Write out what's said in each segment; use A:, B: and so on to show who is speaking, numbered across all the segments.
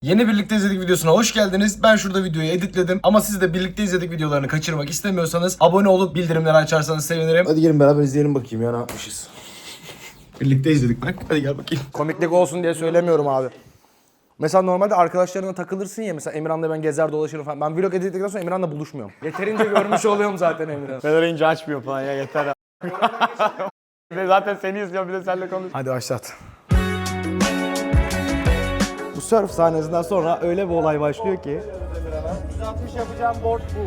A: Yeni birlikte izledik videosuna hoş geldiniz. Ben şurada videoyu editledim ama siz de birlikte izledik videolarını kaçırmak istemiyorsanız abone olup bildirimleri açarsanız sevinirim. Hadi gelin beraber izleyelim bakayım ya ne yapmışız. Birlikte izledik bak. Hadi gel bakayım.
B: Komiklik olsun diye söylemiyorum abi. Mesela normalde arkadaşlarına takılırsın ya, mesela Emirhan'la ben gezer dolaşırım falan. Ben vlog editledikten sonra Emirhan'la buluşmuyorum. Yeterince görmüş oluyorum zaten Emirhan.
C: Ben arayınca açmıyor falan ya, yeter ya. Ve zaten seni izliyorum, bir de seninle konuş.
B: Hadi başlat. Bu surf sahnesinden sonra öyle bir olay başlıyor ki.
C: 160 yapacağım board bu.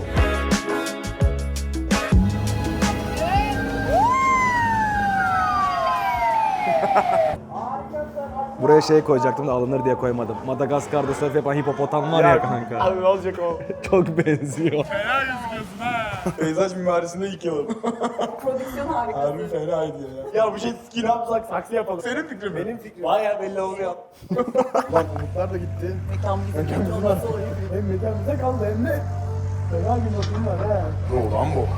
B: Buraya şey koyacaktım da alınır diye koymadım. Madagaskar'da surf yapan hipopotam var ya kanka.
C: Abi ne olacak o?
B: Çok benziyor.
D: Peyzaj mimarisinde ilk yılım.
E: Prodüksiyon harikası.
D: Harbi fenaydı ya.
C: Ya bu şey skin yapsak, saksı yapalım.
D: Senin fikrin mi?
C: Benim fikrim. Baya belli oluyor.
D: Bak umutlar da gitti.
E: Mekan bizim olması o.
D: Hem mekan bize kaldı hem de fena bir notum var ha. Ne lan bu?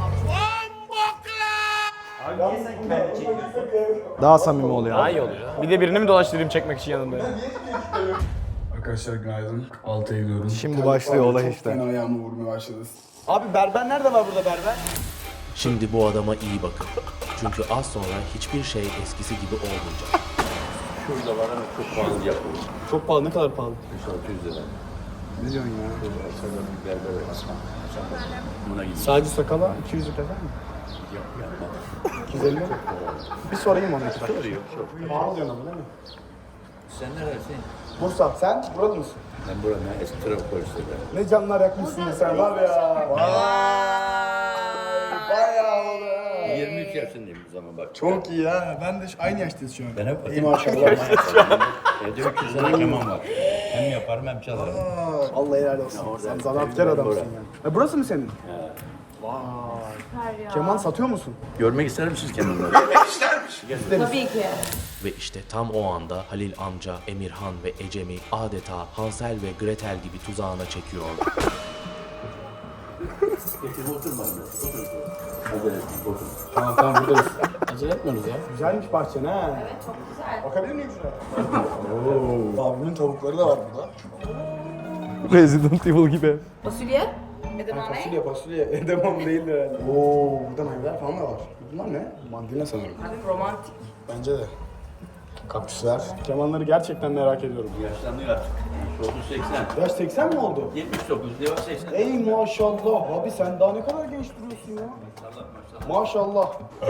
B: Daha samimi oluyor.
C: Daha iyi oluyor. Bir de birini mi dolaştırayım çekmek için yanında?
D: Arkadaşlar günaydın. 6'ya gidiyorum.
B: Şimdi başlıyor olay
D: Çok
B: işte.
D: fena ayağımı vurmaya başladı.
C: Abi berber nerede var burada berber?
F: Şimdi bu adama iyi bakın. Çünkü az sonra hiçbir şey eskisi gibi olmayacak.
G: Şurada var ama çok pahalı yapıyor.
C: Çok pahalı, ne kadar pahalı?
G: 600 lira.
D: Ne diyorsun ya?
G: Aşağıda bir berber var. Buna gidiyor.
C: Sadece sakala 200 lira mi? 250 mi? Bir sorayım ona.
G: Soruyor, çok.
C: Pahalı diyorsun ama değil mi?
G: Sen neredesin?
C: Bursa. Sen buralı mısın?
G: Ben buranın eski trafik polisiyim.
C: Ne canlar yakmışsın sen var ya. Bayağı oldu.
G: 23 yaşındayım bu zaman bak.
D: Çok iyi ha. Ben de aynı yaştayız şu an.
G: Ben hep
D: İyi maşallah.
G: Evde 300 tane keman var. Hem yaparım hem çalarım.
C: Allah helal olsun. Sen zanaatkar adamsın ya. Burası mı senin? Keman satıyor musun?
G: Görmek ister misiniz kemanları?
E: Tabii ki.
F: Ve işte tam o anda Halil amca, Emirhan ve Ecem'i adeta Hansel ve Gretel gibi tuzağına çekiyor.
G: Getir oturma. Otur. Hadi otur.
C: Tamam buradayız. Acele etmiyoruz ya. Güzelmiş bahçen ha.
E: Evet çok güzel.
C: Bakabilir miyim şuraya?
D: Abimin tavukları da var burada.
B: Resident Evil gibi.
E: Fasulye. Edamame.
C: Fasulye. Edamam değildir herhalde. Oo, burada meyveler falan da var. Bunlar ne?
D: Mandalina sanırım.
E: Abi romantik.
D: Bence de. Kaktüsler.
C: Kemanları gerçekten merak ediyorum.
G: Yaşlanıyor artık. 30-80.
C: Yaş 80 mi oldu?
G: 79 diyor 80.
C: Ey maşallah. Abi sen daha ne kadar genç duruyorsun ya. Maşallah.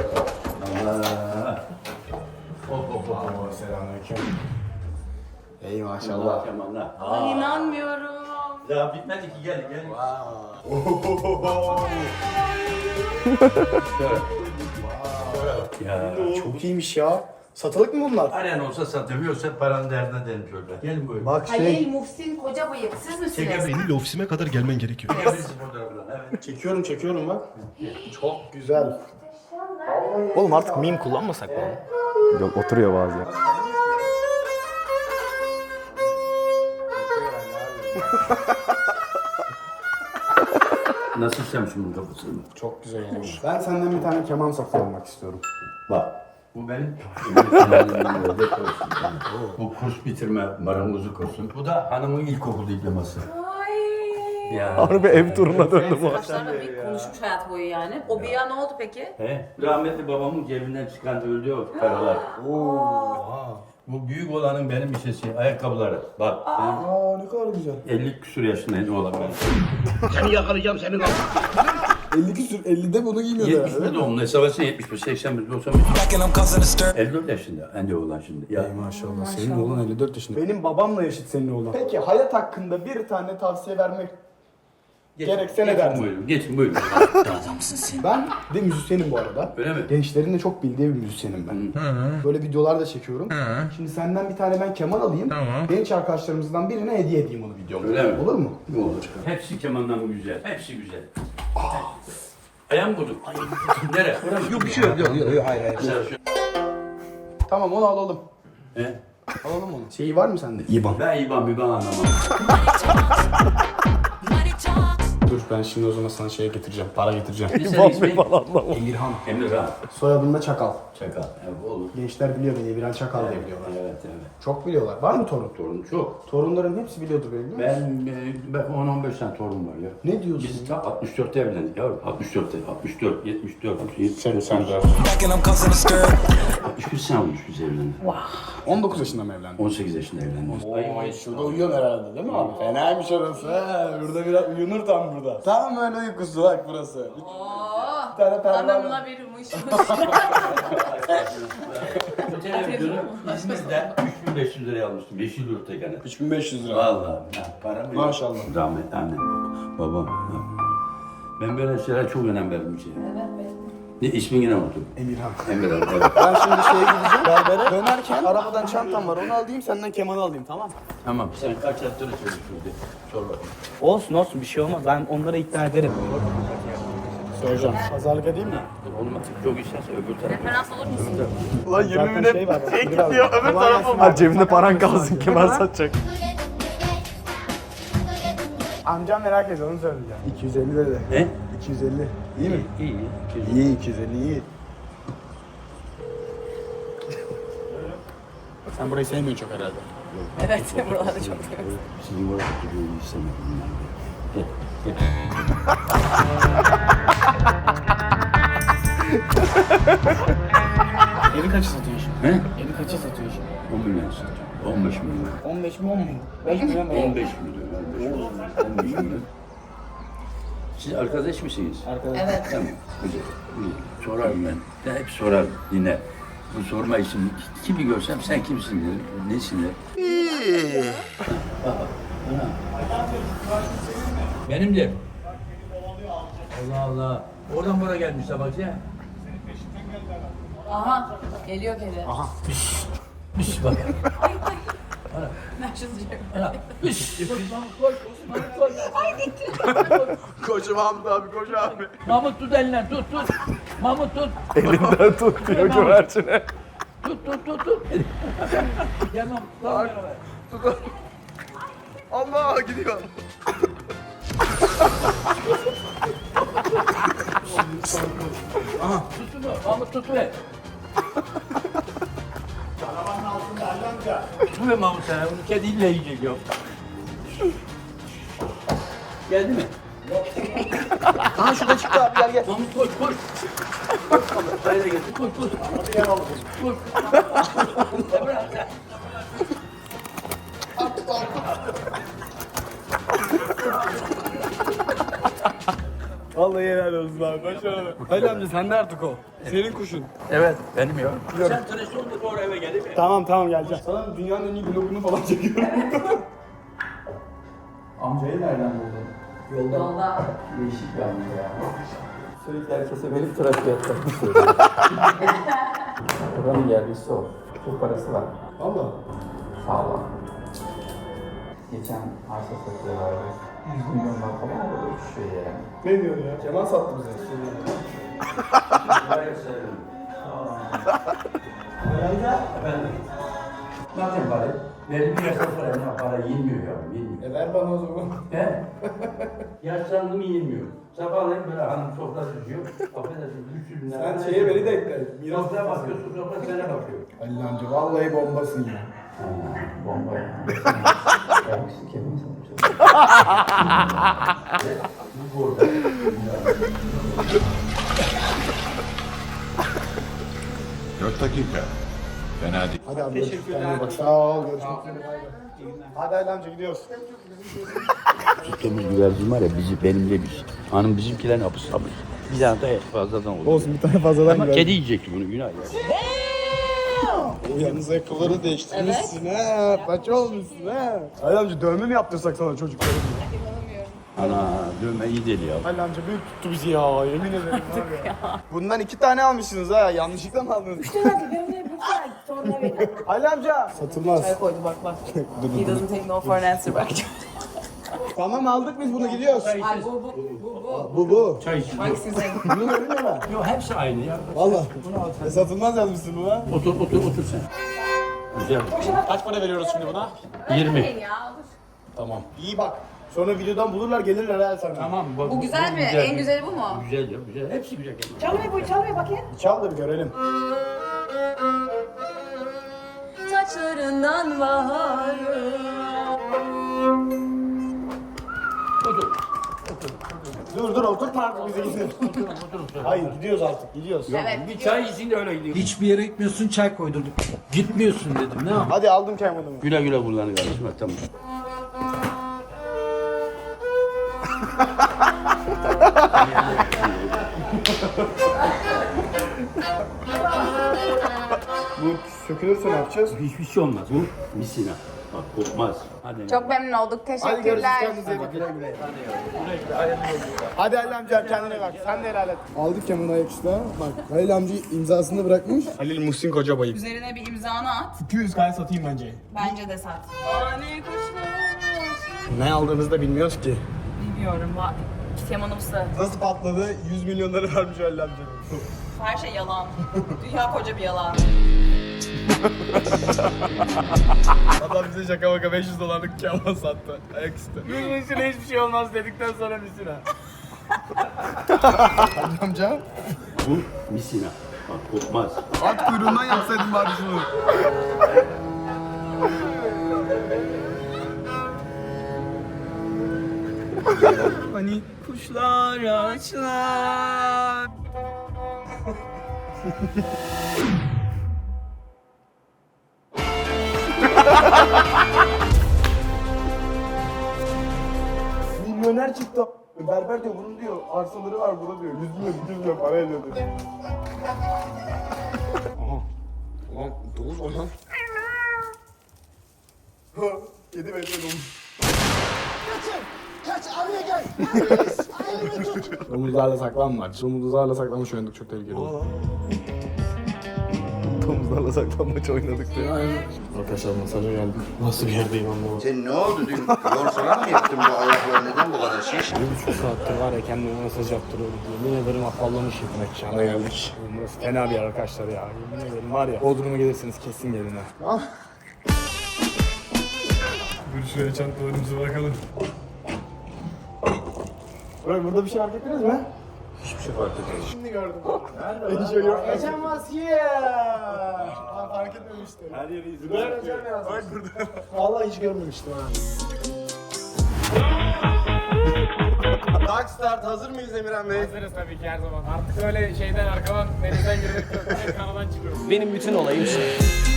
D: Selamünaleyküm. Ey maşallah.
G: Kemanlar.
E: Ay inanmıyorum.
G: Daha bitmedi ki gel. Ya
C: Çok iyiymiş ya. Satılık mı bunlar?
G: Aren olsa satamıyorsa paranın derdine derim şöyle. Gelin buyurun.
C: Bak
E: Halil Muhsin Koca Bıyık. Siz misiniz?
G: Çekebiliriz.
A: Ofisime kadar gelmen gerekiyor.
G: Fotoğraflar. Evet.
C: Çekiyorum bak. Çok güzel.
B: Oğlum artık meme kullanmasak mı? Yok oturuyor bazen.
G: Nasıl istemişim bunun kapısını?
C: Çok güzel olmuş. Ben senden bir tane keman satın almak istiyorum.
G: Bak. Bu benim Bu kurs bitirme marangozluk kursu. Bu da hanımın ilkokul diploması.
E: Ay.
G: Ya.
B: Harbi ev turuna döndü bu.
E: Arkadaşlarla bir konuşmuş hayat boyu yani. O bir ne oldu peki?
G: He? Rahmetli babamın cebinden çıkan öldü o paralar. Bu büyük olanın benim işesi, ayakkabıları. Bak
C: Aa ne kadar güzel.
G: ben 50 küsur yaşındayım oğlan ben.
D: 50 küsür. 50'de bunu giymiyordu herhalde.
G: 70'de doğumlu hesabası 71, 81, 95. 54 yaşında anne oğlan şimdi. Ya.
D: Ey maşallah. Senin oğlan 54 yaşında.
C: Benim babamla yaşıt senin oğlan. Peki hayat hakkında bir tane tavsiye vermek gerekse ne derdin?
G: Buyurun, geçin buyurun.
C: Ben de müzisyenim bu arada.
G: Öyle mi?
C: Gençlerin de çok bildiği bir müzisyenim ben. Böyle videolar da çekiyorum. Şimdi senden bir tane ben keman alayım. Genç arkadaşlarımızdan birine hediye edeyim onu videomda.
G: Öyle mi?
C: Olur mu?
G: Ne olur. Hepsi kemandan güzel, hepsi güzel. Ayağım vurdum. Nereye? Yok bir şey yok. Hayır.
C: Tamam onu alalım.
G: He?
C: Alalım onu. Şeyi var mı sende? İban.
G: Ben İban anlamam.
C: Dur ben şimdi o zaman sana şey getireceğim. Para getireceğim.
G: Bir senin ismin?
C: Emirhan.
G: Emirhan.
C: Soyadım da Çakal.
G: Çakal. Evet, olur.
C: Gençler biliyor beni. Emirhan Çakal diye biliyorlar.
G: Evet.
C: Çok biliyorlar. Var mı torun?
G: Torun çok.
C: Torunların hepsi biliyordur beni değil mi?
G: Ben 10-15 tane torun var ya.
C: Ne diyorsun?
G: Biz tam 64'te evlendik yavrum. 64, 74, 74.
C: Sen de.
G: 63 sene olmuş biz evlendik.
C: 19 yaşında mı evlendin?
G: 18 yaşında evlendik.
C: Ay şurada uyuyorsun herhalde değil mi abi? Fenaymış orası ha. Burada biraz uyunur tam burada. Tam öyle uykusu bak burası.
E: Oo,
C: tane pervane.
E: hanımla bir mışmış.
G: Bu televizyonu İzmir'de 3500 liraya almıştım. Yeşil yurtta
C: 3500 lira.
G: Vallahi para mı?
C: Maşallah.
G: Rahmetli annem, babam. Ben böyle şeylere çok önem veririm şey. Ne ismini ne unuttum?
C: Emirhan.
G: Emirhan. Evet.
C: Ben şimdi şeye gideceğim berbere. Dönerken arabadan çantam var onu alayım senden kemanı alayım tamam mı?
G: Tamam. Sen kaç yatları çalışıyorsun? Sor bakayım.
D: Olsun olsun bir şey olmaz. Ben onları ikna ederim.
C: Soracağım. Pazarlık edeyim mi?
G: Olmaz. Çok isterse öbür tarafa.
E: Referans olur musun?
C: Ulan yemin ederim.
D: Şey var.
C: gidiyor öbür tarafa.
B: Ha, cebinde paran kalsın kemer satacak.
C: Amcam merak ediyor onu söyleyeceğim. 250 dedi.
G: Ne?
C: 250. İyi mi?
G: İyi.
C: İyi 250 iyi. Sen burayı sevmiyorsun çok herhalde.
E: Evet, buralarda çok seviyorum.
G: Sizin orada duruyor istemedim.
C: Evi kaçı satıyorsun?
G: He?
C: Evi kaçı satıyorsun?
G: 10 milyon satacağım. 15 milyon.
C: 15 mi 10 mu? 5 milyon mu?
G: 15 milyon. 15 milyon. Siz arkadaş mısınız?
E: Evet.
G: Tamam. Güzel. İyi. Sorarım ben. Ben hep sorarım. Dinle. Bu sorma için kimi görsem sen kimsin derim. Nesin derim. Benim de. Allah Allah. Oradan buraya gelmişler bak ya.
E: Aha, geliyor kedi. Aha.
G: Üş bak.
E: Nerşız
G: Ana. Üş.
C: Koş Mahmut abi koş abi.
G: Mahmut tut elinden tut. Mahmut tut.
B: Elinden tut diyor güvercine.
G: Tut. Gel Mahmut.
C: Allah gidiyor.
G: Tut şunu. Mahmut tut ver. Tut ver Mahmut sana. Bunu kediyle yiyecek yok. Geldi mi?
C: Aha şurada çıktı abi gel gel.
G: Mahmut koş. Hayır gel. Koş. Koş.
C: Vallahi helal olsun abi başarılı. Hadi amca sen de artık o. Senin kuşun.
G: Evet benim ya. Sen tıraş oldun sonra eve gelip
C: Tamam geleceğim. Sana dünyanın en iyi vlogunu falan çekiyorum. Amcayı nereden buldun?
E: Yolda.
G: değişik bir amca ya.
H: Sürekli herkese benim tıraş fiyatlarını söylüyor. Buranın yerlisi o. Çok parası var.
C: Valla.
H: Sağlam. Geçen arsa satıyorlardı. 100 milyonlar falan orada uçuşuyor yani.
C: Ne diyorsun ya? Kemal sattı bize.
G: Efendim. Ne yapayım bari? Belli bir yaştan sonra ne para yenmiyor yavrum, yenmiyor.
C: Ver bana o zaman.
G: He? Yaşlandım yenmiyor. Sabahleyin böyle hanım sofra düzüyor. Affedersin 300 bin lira.
C: Sen şeye beni de ekle. Miras
G: Sofraya bakıyorsun, sofra sana bakıyor.
C: Halil amca vallahi bombasın ya.
H: Bomba yani. Kendisi kendini sanmış.
G: Bu burada.
C: Hadi abi teşekkürler. Bak sağ ol. Görüşmek üzere. Hadi Halil amca gidiyoruz.
G: Temiz güvercin var ya benim de bir. Hanım bizimkilerin hapis almış. Bir tane daha fazladan olur.
C: Olsun bir tane fazladan
G: Ama
C: güvercin.
G: kedi yiyecekti bunu günah ya.
C: Yalnız ayakkabıları değiştirmişsin ha. Paça olmuşsun ha. Halil amca dövme mi yaptırsak sana çocukları?
G: Ana dövme iyi deli ya.
C: Halil amca büyük tuttu bizi ya yemin ederim var ya. Bundan 2 tane almışsınız ha yanlışlıkla mı aldınız? Halil amca. Satılmaz.
E: Çay koydu bak. He doesn't take no for an answer bak.
C: Tamam aldık biz bunu gidiyoruz.
E: Ay bu.
C: Bu.
G: Çay için.
E: Hangisi senin?
C: Bunu görünüyor mu?
G: Yok hepsi aynı ya.
C: Valla. Satılmaz yazmışsın buna.
G: Otur sen. Güzel.
C: Kaç para veriyoruz şimdi buna?
G: 20.
E: Ya olur.
C: Tamam. İyi bak. Sonra videodan bulurlar gelirler ha sana.
G: Tamam.
E: Bu güzel mi? En güzeli bu mu?
G: Güzel ya, güzel. Hepsi güzel.
E: Çalmıyor bakayım.
C: Çal da bir görelim.
E: Saçlarından baharı.
C: Dur oturtma artık bize gidelim. Hayır gidiyoruz artık gidiyoruz.
E: Evet.
G: Bir çay için de öyle gidiyor.
D: Hiçbir yere gitmiyorsun, çay koydurduk. Gitmiyorsun dedim, ne yapayım?
C: Hadi aldım kemanımı.
G: Güle güle kullan kardeşim. Tamam.
C: Bu sökülürse ne yapacağız?
G: Hiçbir şey olmaz. Bu misina. Bak kopmaz. Hadi.
E: Çok memnun olduk.
C: Hadi görüşürüz
E: Teşekkürler.
C: kendinize iyi bakın. Hadi Halil amca kendine bak. Sen de helal et. Aldık kemanı ayaküstü ha. Bak Halil amca imzasını bırakmış. Halil Muhsin Kocabay'ım.
E: Üzerine bir imzanı at.
C: 200 kaya satayım bence.
E: Bence de sat. Ani kuşlar.
C: Ne aldığımızı da bilmiyoruz ki.
E: Bilmiyorum. Kemanımsı.
C: Nasıl patladı? 100 milyonları vermiş Halil amca.
E: Her şey yalan. Dünya koca bir yalan.
C: Adam bize şaka maka 500 dolarlık keman sattı. Ayaküstü. 100 misine hiçbir şey olmaz dedikten sonra misine. Halil amca.
G: Bu misina. Bak kopmaz.
C: At kuyruğundan yapsaydın bari şunu.
D: Hani kuşlar ağaçlar.
C: Milyoner çıktı. Berber diyor bunun diyor arsaları var burada diyor. 100 milyon para ediyor diyor. Aha. Ulan domuz o lan. Kedi bekle domuz. Domuzlarla saklanmaç. Domuzlarla saklanmaç oynadık çok tehlikeli oldu. Domuzlarla saklanmaç oynadık diyor. Arkadaşlar masaja geldim. Nasıl bir yerdeyim anlamadım.
I: Sen ne oldu dün? Yorsana mı yaptın bu ayaklar neden bu kadar şiş?
B: 1,5 saattir var ya kendime masaj yaptırıyorum diye. Yemin ederim afallamışım mekana geldik. Burası fena bir yer arkadaşlar ya. Yemin ederim var ya. Bodrum'a gelirsiniz kesin gelin ha. Dur şöyle çantalarımıza bakalım.
C: Bırak burada bir şey fark ettiniz mi?
B: Hiçbir şey fark etmedim.
C: Şimdi gördüm. Nerede? Hiç yok. Geçen maske. Ben fark etmemiştim. Her yeri izliyorum. Bak burada. Vallahi hiç görmemiştim ha. Dark Start hazır mıyız Emirhan Bey?
B: Hazırız tabii ki her zaman. Artık öyle şeyden arkadan denizden girmek yok. Kanadan çıkıyorum. Benim bütün olayım şey.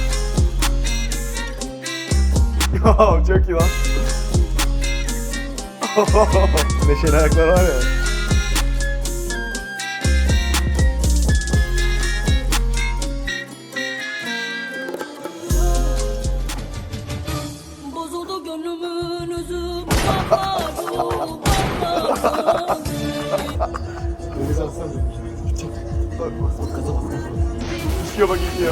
C: Ya çok iyi lan. Neşeli ayaklar var ya.
J: Bozuldu gönlümün özü. Bambaşka.
C: Deniz alsana. Bak gaza bak. İşiyor bak işiyor.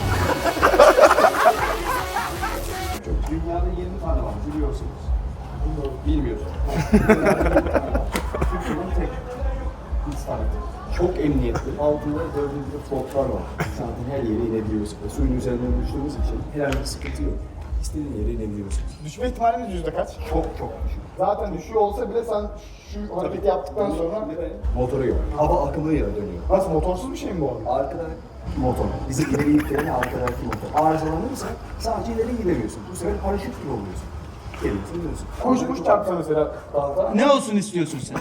H: Dünyada 20 tane var biliyorsunuz. Bilmiyorsunuz. Türkiye'nin tek insan. Çok emniyetli. Altında dördüncü flotlar var. Zaten her yere inebiliyorsunuz. Suyun üzerinden düştüğümüz için herhangi bir sıkıntı yok. İstediğin yere inebiliyorsunuz.
C: Düşme ihtimaliniz yüzde kaç?
H: Çok düşük.
C: Zaten düşüyor olsa bile sen şu hareketi yaptıktan sonra...
H: Motoru yok. Hava akımıyla dönüyor.
C: Nasıl motorsuz bir şey mi bu arada?
H: Arkada motor. Bizi ileri yükleyen arkadaki motor. Arızalanırsa sadece ileri gidemiyorsun. Bu sefer paraşüt gibi oluyorsun. Geliyorsun dönüyorsun.
C: Kuş çarpsa mesela.
D: Ne olsun istiyorsun sen?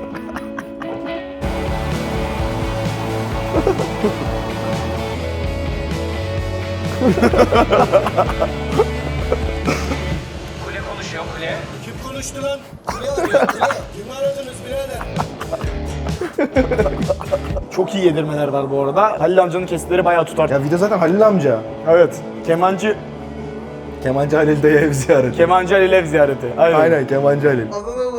B: Kule konuşuyor kule.
D: Kim konuştu lan? Kule arıyor, kule. Kimi aradınız birader?
C: Çok iyi yedirmeler var bu arada. Halil amcanın kesitleri bayağı tutar. Ya video zaten Halil amca. Evet. Kemancı
A: Halil Dayı ev ziyareti.
C: Kemancı Halil ev ziyareti.
A: Aynen Kemancı Halil.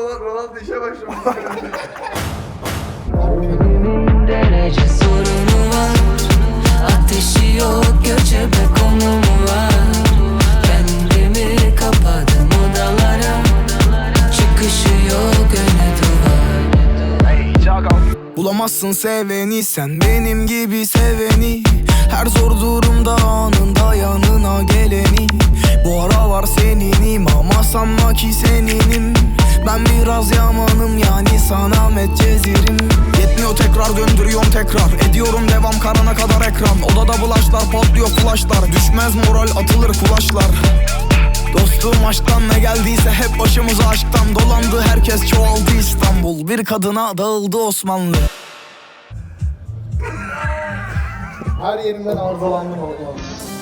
J: Derece sorunu var. Ateşi yok göçebe konumu var. Kendimi kapadım odalara. Çıkışı yok öne duvar.
K: Bulamazsın seveni sen benim gibi seveni. Her zor durumda anında yanına geleni. Bu Bu aralar seninim ama sanma ki seninim. Ben biraz yamanım yani sana Medcezirim. Yetmiyor tekrar döndürüyorum tekrar. Ediyorum devam karana kadar ekran. Odada bulaşlar patlıyor flashlar. Düşmez moral atılır kulaşlar. Dostum aşktan ne geldiyse hep başımıza aşktan dolandı. Herkes çoğaldı İstanbul. Bir kadına dağıldı Osmanlı.
C: Her yerimden arızalandım oğlum.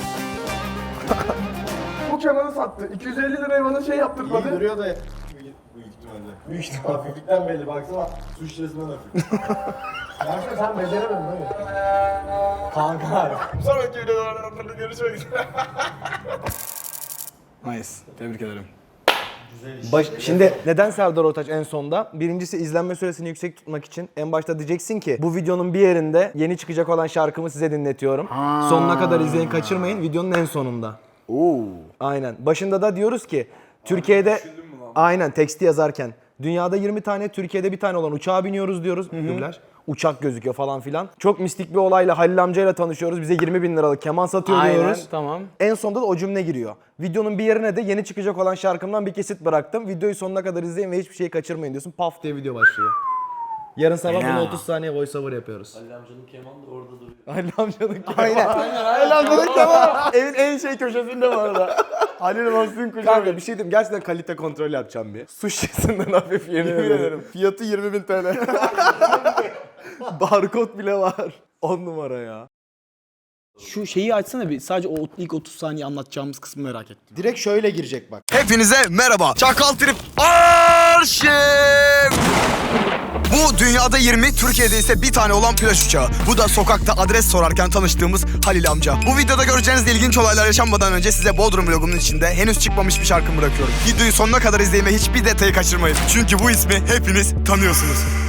D: Bu kemanı sattı. 250 liraya bana şey yaptırmadı.
C: Duruyor da büyük ihtimal hafiflikten belli baksana su şişesinden hafif. Gerçekten sen beceremedin değil mi? Kanka. Sonraki videolarda görüşmek üzere.
B: Nice. Tebrik ederim. Şimdi neden Serdar Ortaç en sonda? Birincisi izlenme süresini yüksek tutmak için. En başta diyeceksin ki bu videonun bir yerinde yeni çıkacak olan şarkımı size dinletiyorum. Sonuna kadar izleyin, kaçırmayın. Videonun en sonunda. Aynen. Başında da diyoruz ki Türkiye'de aynen teksti yazarken dünyada 20 tane, Türkiye'de bir tane olan uçağa biniyoruz diyoruz. Dublaj. Uçak gözüküyor falan filan. Çok mistik bir olayla Halil amcayla tanışıyoruz. Bize 20 bin liralık keman satıyor diyoruz. Tamam. En sonunda da o cümle giriyor. Videonun bir yerine de yeni çıkacak olan şarkımdan bir kesit bıraktım. Videoyu sonuna kadar izleyin ve hiçbir şeyi kaçırmayın diyorsun. Paf diye video başlıyor. Yarın sabah bunu 30 saniye voiceover yapıyoruz.
F: Halil amcanın kemanı da orada duruyor.
B: Halil amcanın kemanı. Aynen. Halil amcanın kemanı. Evin en şey köşesinde bu arada. Halil Mahsun köşesi. Kanka bir şey diyeyim. Gerçekten kalite kontrol yapacağım bir. Su şişesinden hafif yemin ederim. Fiyatı 20.000 TL. Barkod bile var. 10 numara ya.
D: Şu şeyi açsana bir. Sadece o ilk 30 saniye anlatacağımız kısmı merak ettim.
C: Direkt şöyle girecek bak.
K: Hepinize merhaba. Çakal Trip Arşiv. Bu dünyada 20, Türkiye'de ise bir tane olan plaj uçağı. Bu da sokakta adres sorarken tanıştığımız Halil amca. Bu videoda göreceğiniz ilginç olaylar yaşanmadan önce size Bodrum vlogumun içinde henüz çıkmamış bir şarkımı bırakıyorum. Videoyu sonuna kadar izleyin ve hiçbir detayı kaçırmayın. Çünkü bu ismi hepiniz tanıyorsunuz.